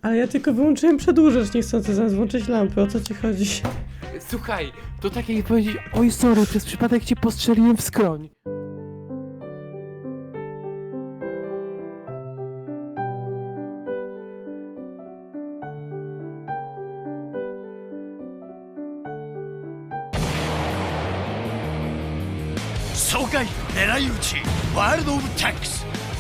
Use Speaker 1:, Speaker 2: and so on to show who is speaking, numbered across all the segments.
Speaker 1: Ale ja tylko wyłączyłem przedłużacz niechcący, zamiast włączyć lampy, o co ci chodzi?
Speaker 2: Słuchaj, to tak jak powiedzieć, oj sorry, przez przypadek cię postrzeliłem w skroń.
Speaker 3: Sogai, Neraiuchi, World of Tanks.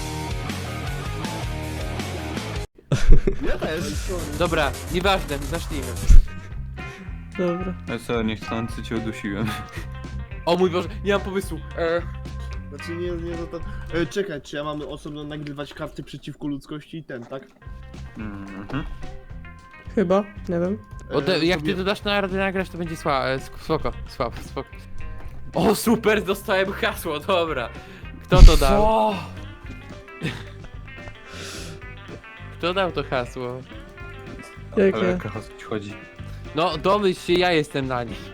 Speaker 4: Ja też.
Speaker 2: Dobra, nieważne, zacznijmy.
Speaker 1: Dobra.
Speaker 5: Ja co, niechcący cię udusiłem.
Speaker 2: O mój Boże, nie mam pomysłu.
Speaker 4: Znaczy nie to. Czekaj, czy ja mamy osobno nagrywać karty przeciwko ludzkości i ten, tak?
Speaker 5: Mhm.
Speaker 1: Chyba, nie wiem.
Speaker 2: Jak ty dodasz na radę nagrać, to będzie spoko. O super, dostałem hasło, dobra. Kto to dał? Kto dał to hasło?
Speaker 5: Ale
Speaker 1: Jakie?
Speaker 5: jaka ci chodzi?
Speaker 2: No, domyśl się, ja jestem na nich.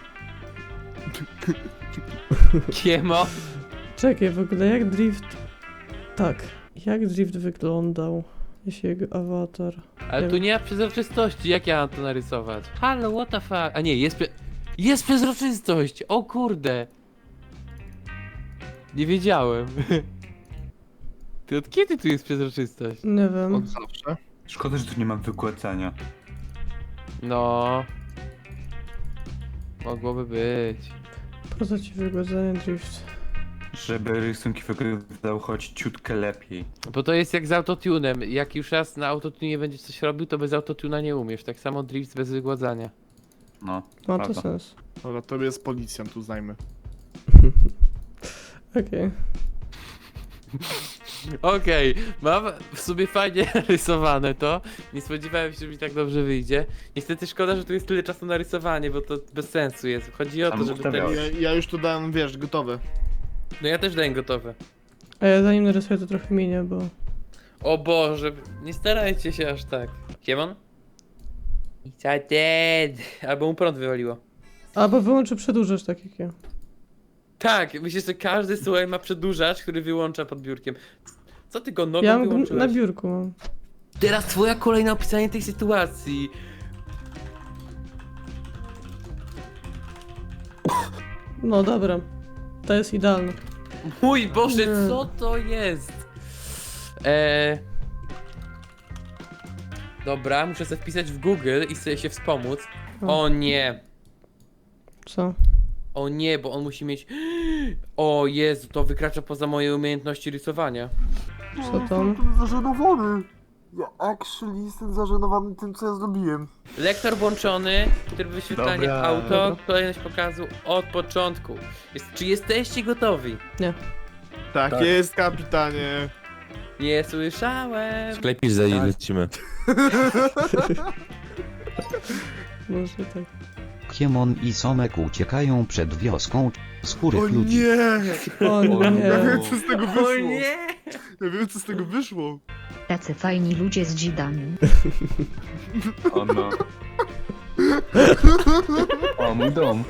Speaker 2: Kiemo?
Speaker 1: Czekaj, w ogóle jak drift... Tak. Jak drift wyglądał? Jeśli jego awatar...
Speaker 2: Ale tu nie ma przezroczystości, jak ja mam to narysować? Halo, what the fuck? A nie, jest przezroczystość! O kurde! Nie wiedziałem. Ty od kiedy tu jest przezroczystość?
Speaker 1: Nie wiem.
Speaker 4: Od zawsze.
Speaker 5: Szkoda, że tu nie ma wygładzania.
Speaker 2: No. Mogłoby być.
Speaker 1: Po co ci wygładzenie drift?
Speaker 5: Żeby rysunki wyglądały choć ciutkę lepiej.
Speaker 2: Bo to jest jak z autotunem. Jak już raz na autotunie będziesz coś robił, to bez autotuna nie umiesz. Tak samo drift bez wygładzania.
Speaker 5: No,
Speaker 1: Ma to
Speaker 5: prawda.
Speaker 1: sens.
Speaker 4: Dobra, to jest policjant, uznajmy.
Speaker 1: Okej.
Speaker 2: Okej, mam w sobie fajnie narysowane to. Nie spodziewałem się, że mi tak dobrze wyjdzie. Niestety szkoda, że tu jest tyle czasu na rysowanie, bo to bez sensu jest. Chodzi o to,
Speaker 5: Tam
Speaker 2: żeby
Speaker 5: ustawiałeś.
Speaker 2: ten...
Speaker 4: Ja już to dałem, wiesz, gotowe.
Speaker 2: No ja też dałem gotowe.
Speaker 1: A ja zanim narysuję to trochę minie, bo...
Speaker 2: O Boże, nie starajcie się aż tak. Kiemon? It's dead. Albo mu prąd wywaliło.
Speaker 1: Albo wyłączę przedłużacz, tak jak ja.
Speaker 2: Tak, myślę, że każdy słuchaj ma przedłużacz, który wyłącza pod biurkiem. Co ty go nogą
Speaker 1: Ja mam
Speaker 2: wyłączyłeś?
Speaker 1: na biurku mam.
Speaker 2: Teraz twoja kolej na opisanie tej sytuacji.
Speaker 1: No dobra. To jest idealne.
Speaker 2: Mój Boże,
Speaker 1: Nie.
Speaker 2: co to jest? Dobra, muszę sobie wpisać w Google i sobie się wspomóc. O nie.
Speaker 1: Co?
Speaker 2: O nie, bo on musi mieć... O Jezu, to wykracza poza moje umiejętności rysowania.
Speaker 1: Co tam?
Speaker 4: Jestem zażenowany. Ja actually jestem zażenowany tym, co ja zrobiłem.
Speaker 2: Lektor włączony, tryb wyświetlania
Speaker 5: Dobra.
Speaker 2: auto, kolejność pokazu od początku. Czy jesteście gotowi?
Speaker 4: Tak,
Speaker 5: Tak.
Speaker 4: jest, kapitanie.
Speaker 2: Nie słyszałem.
Speaker 6: Sklepisz za ile lecimy.
Speaker 1: Może tak.
Speaker 7: Kiemon i Somek uciekają przed wioską skórych
Speaker 4: O
Speaker 7: ludzi.
Speaker 4: nie!
Speaker 1: O
Speaker 4: Ja
Speaker 1: nie.
Speaker 4: wiem, co z tego wyszło.
Speaker 2: O nie!
Speaker 4: Ja wiem, co z tego wyszło.
Speaker 8: Tacy fajni ludzie z dzidami.
Speaker 5: O no. O, mój dom.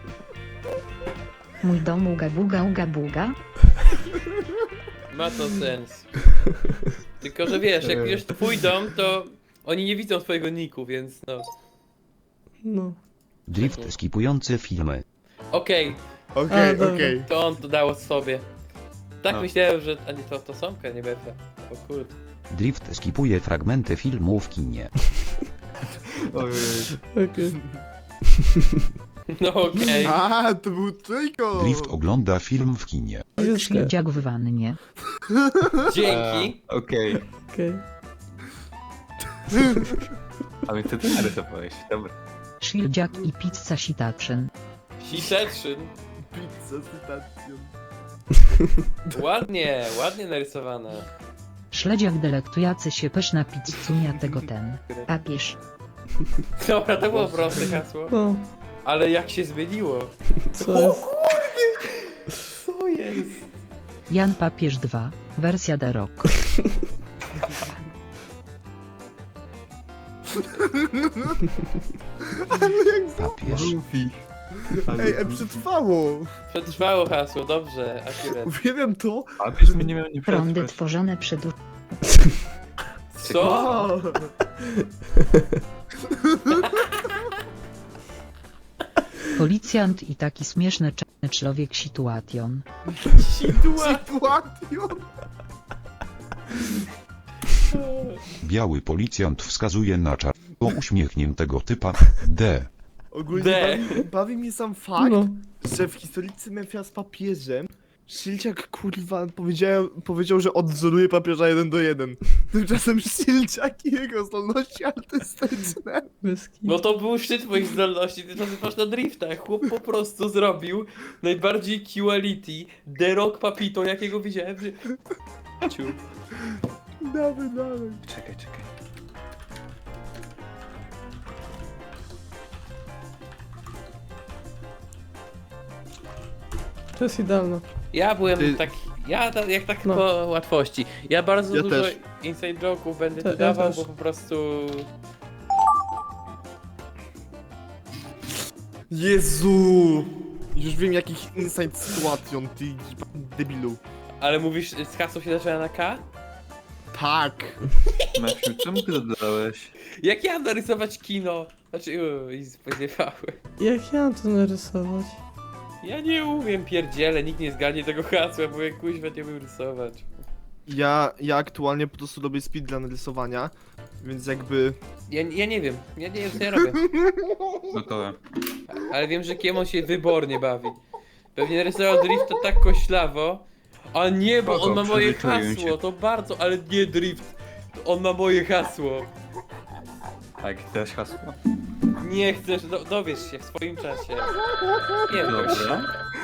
Speaker 8: Mój dom uga buga.
Speaker 2: Ma to sens. Tylko, że wiesz, jak już twój dom, to oni nie widzą twojego niku, więc no.
Speaker 1: No.
Speaker 7: Drift skipujący filmy.
Speaker 2: Okej,
Speaker 4: Okej,
Speaker 1: dobra.
Speaker 4: okej.
Speaker 2: to on to dało sobie. Tak
Speaker 5: No.
Speaker 2: myślałem, że... A nie, to Somka, nie Befa. O kurde.
Speaker 7: Drift skipuje fragmenty filmu w kinie.
Speaker 5: Ojej.
Speaker 1: Okej.
Speaker 2: No okej.
Speaker 4: A, to był tylko.
Speaker 7: Drift ogląda film w kinie.
Speaker 8: Śledziak w wannie.
Speaker 2: Dzięki.
Speaker 5: Okej.
Speaker 1: Okej.
Speaker 5: A więc ty narysowałeś, dobra.
Speaker 8: Śledziak i pizza sitaczyn.
Speaker 2: Siteczyn.
Speaker 4: Pizza z cytacją.
Speaker 2: Ładnie, ładnie narysowane.
Speaker 8: Śledziak delektujący się pyszna pizzunia tego ten. Papież.
Speaker 2: Dobra, to było proste hasło.
Speaker 1: No,
Speaker 2: Ale jak się zmieniło.
Speaker 1: co jest?
Speaker 2: Co jest?
Speaker 8: Jan Papież 2. Wersja The Rock.
Speaker 7: Papież.
Speaker 4: Ej, przetrwało.
Speaker 2: Przetrwało hasło, dobrze, akurat.
Speaker 4: Uwielbiam to.
Speaker 5: A byśmy nie miał nie
Speaker 8: Prądy
Speaker 5: przetrwać.
Speaker 8: tworzone przed...
Speaker 2: Co?
Speaker 4: O,
Speaker 8: Policjant i taki śmieszny czarny człowiek situation.
Speaker 4: Sytuacją.
Speaker 7: Biały policjant wskazuje na czarnego uśmiechniętego typa. D.
Speaker 4: Ogólnie
Speaker 2: D.
Speaker 4: bawi mnie sam fakt,
Speaker 1: No.
Speaker 4: że w historycy Memphis z papieżem Szylciak kurwa powiedział, że odwzoruje papieża 1:1. Tymczasem Szylciak i jego zdolności artystyczne.
Speaker 1: Bez kitu.
Speaker 2: No to był szczyt moich zdolności, ty nazywasz na driftach. Chłop po prostu zrobił najbardziej quality The Rock Papito, jakiego widziałem w życiu.
Speaker 4: Dawaj.
Speaker 5: Czekaj.
Speaker 1: To jest idealne.
Speaker 2: Ja byłem
Speaker 4: Ty-
Speaker 2: tak, jak tak
Speaker 1: No.
Speaker 2: po łatwości. Ja bardzo
Speaker 4: Ja
Speaker 2: dużo
Speaker 4: też.
Speaker 2: inside joke'ów będę
Speaker 1: Ja
Speaker 2: tu dawał,
Speaker 1: też.
Speaker 2: bo po prostu...
Speaker 4: Jezu! Już wiem jakich insight sytuacjon, ty debilu.
Speaker 2: Ale mówisz, z hasło się zaczyna na K?
Speaker 4: Tak.
Speaker 5: Maciu, czemu ty dodałeś?
Speaker 2: Jak ja narysować kino? Znaczy, i spodziewały.
Speaker 1: Jak ja mam to narysować?
Speaker 2: Ja nie umiem, pierdziele, nikt nie zgadnie tego hasła, bo ja kuźwa nie umiem rysować.
Speaker 4: Ja aktualnie po prostu robię speedrun rysowania, więc jakby...
Speaker 2: Ja nie wiem co ja robię.
Speaker 5: Gotowe.
Speaker 2: Ale wiem, że Kiemon się wybornie bawi. Pewnie narysował drift to tak koślawo. A nie, bo
Speaker 5: Spoko,
Speaker 2: on ma moje
Speaker 5: przyzwyczaiłem
Speaker 2: hasło,
Speaker 5: się.
Speaker 2: to bardzo, ale nie drift. On ma moje hasło.
Speaker 5: Tak, teraz hasło.
Speaker 2: Nie chcesz, dowiesz się w swoim czasie. Nie wiem.
Speaker 5: Dobra.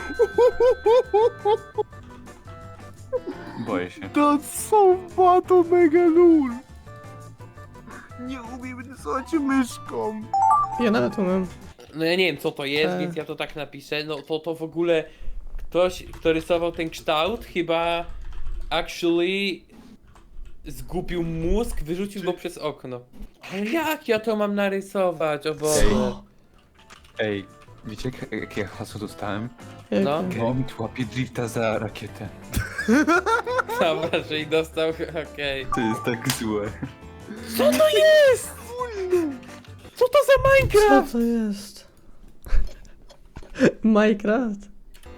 Speaker 5: Boję się.
Speaker 4: To są to mega lul. Nie umiem rysować myszką.
Speaker 1: Ja nawet umiem.
Speaker 2: No ja nie wiem co to jest,
Speaker 1: Tak.
Speaker 2: więc ja to tak napiszę. No to w ogóle ktoś, kto rysował ten kształt, chyba actually zgubił mózg, wyrzucił go przez okno. Ale jak ja to mam narysować, o Boże.
Speaker 5: Ej, wiecie jakie hasło dostałem?
Speaker 1: Jak
Speaker 2: No.
Speaker 5: Kermit łapie drifta za rakietę.
Speaker 2: Dobra, że i dostał, okej.
Speaker 5: To jest tak złe.
Speaker 2: Co to jest? Co to za
Speaker 1: Co
Speaker 2: Minecraft?
Speaker 1: to jest? Minecraft?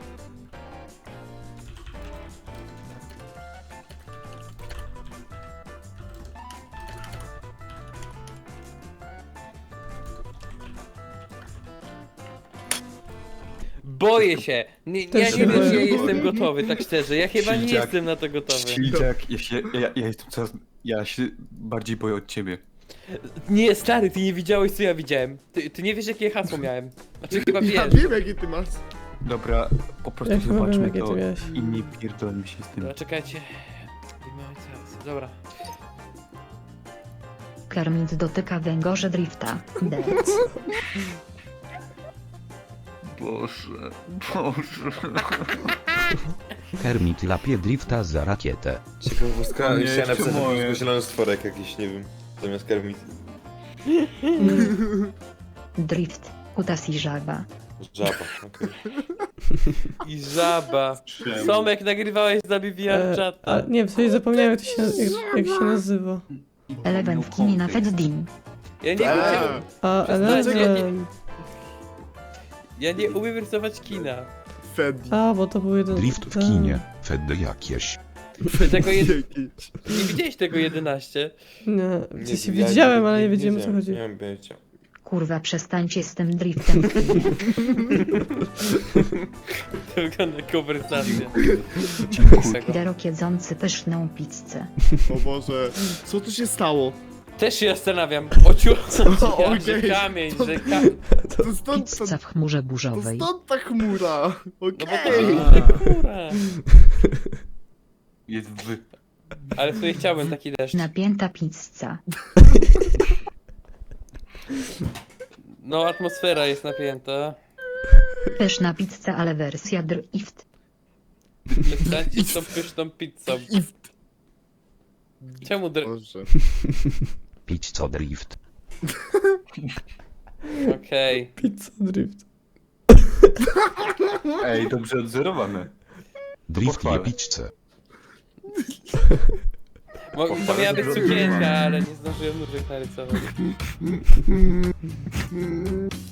Speaker 2: Boję się. Ja
Speaker 1: Też
Speaker 2: nie
Speaker 1: się
Speaker 2: wiem, czy ja
Speaker 1: boję.
Speaker 2: jestem gotowy, tak szczerze. Ja chyba nie
Speaker 5: Sildziak.
Speaker 2: jestem na to gotowy.
Speaker 5: Śliczak, ja jestem coraz... Ja się bardziej boję od ciebie.
Speaker 2: Nie, stary, ty nie widziałeś, co ja widziałem. Ty nie wiesz, jakie hasło miałem. Znaczy chyba
Speaker 4: Ja
Speaker 2: wiesz.
Speaker 4: wiem jakie ty masz.
Speaker 5: Dobra, po prostu
Speaker 1: Ja chyba wiem,
Speaker 5: zobaczmy
Speaker 1: jakie
Speaker 5: to
Speaker 1: ty miałeś.
Speaker 5: i nie pierdolmy się z tym.
Speaker 2: Dobra, czekajcie. I mamy teraz. Dobra.
Speaker 8: Kermit dotyka węgorza drifta. D.
Speaker 5: Boże.
Speaker 7: Kermit lapie drifta za rakietę.
Speaker 6: Ciekawostka,
Speaker 5: O nie,
Speaker 6: chciałem napisać
Speaker 5: czemu?
Speaker 6: na polsku zielony stworek jakiś, nie wiem, zamiast Kermit.
Speaker 8: Drift. Kutas i żaba.
Speaker 6: Żaba, okej.
Speaker 2: I żaba. Somek, nagrywałeś z nami VR
Speaker 1: A
Speaker 2: czata.
Speaker 1: nie, w sensie zapomniałem jak się nazywa.
Speaker 8: Eleven w kinie na Feddim.
Speaker 2: Ja nie umiem.
Speaker 1: A
Speaker 2: Przestańcie,
Speaker 1: Eleven.
Speaker 2: Ja nie umiem rysować kina.
Speaker 4: Fedi.
Speaker 1: A, bo to był jeden...
Speaker 7: Drift w
Speaker 1: ten.
Speaker 7: kinie. Fedy jakieś.
Speaker 2: Tego
Speaker 4: Jakieś.
Speaker 2: nie widziałeś tego 11.
Speaker 1: Nie,
Speaker 6: Nie,
Speaker 1: w sensie
Speaker 6: ja
Speaker 1: widziałem, ale nie wiedziałem o co
Speaker 6: wiedziałem,
Speaker 1: chodzi.
Speaker 6: Nie mam pojęcia.
Speaker 8: Kurwa, przestańcie z tym driftem w kinie.
Speaker 2: Tylko na konwersację.
Speaker 8: Derok jedzący pyszną pizzę.
Speaker 4: O Boże. Co tu się stało?
Speaker 2: Też się zastanawiam. Ociu,
Speaker 4: Okej.
Speaker 2: że kamień, że
Speaker 4: To stąd,
Speaker 8: Pizza w chmurze
Speaker 4: to
Speaker 8: burzowej.
Speaker 4: stąd ta chmura.
Speaker 2: No bo to
Speaker 4: Okej.
Speaker 2: jest kura.
Speaker 5: Jest w...
Speaker 2: Ale w sumie chciałbym taki deszcz.
Speaker 8: Napięta pizza.
Speaker 2: No, atmosfera jest napięta.
Speaker 8: Pyszna pizza, ale wersja drift.
Speaker 2: Przestańcie z tą pyszną pizzą. Czemu
Speaker 4: Boże.
Speaker 7: Pizza drift.
Speaker 2: Okej.
Speaker 1: Pizza drift.
Speaker 5: Ej, dobrze odzorowane.
Speaker 7: Drift je
Speaker 5: pochwalę.
Speaker 7: pizzę.
Speaker 2: To miała być sukienka, ale nie zdążyłem nóżek narysować.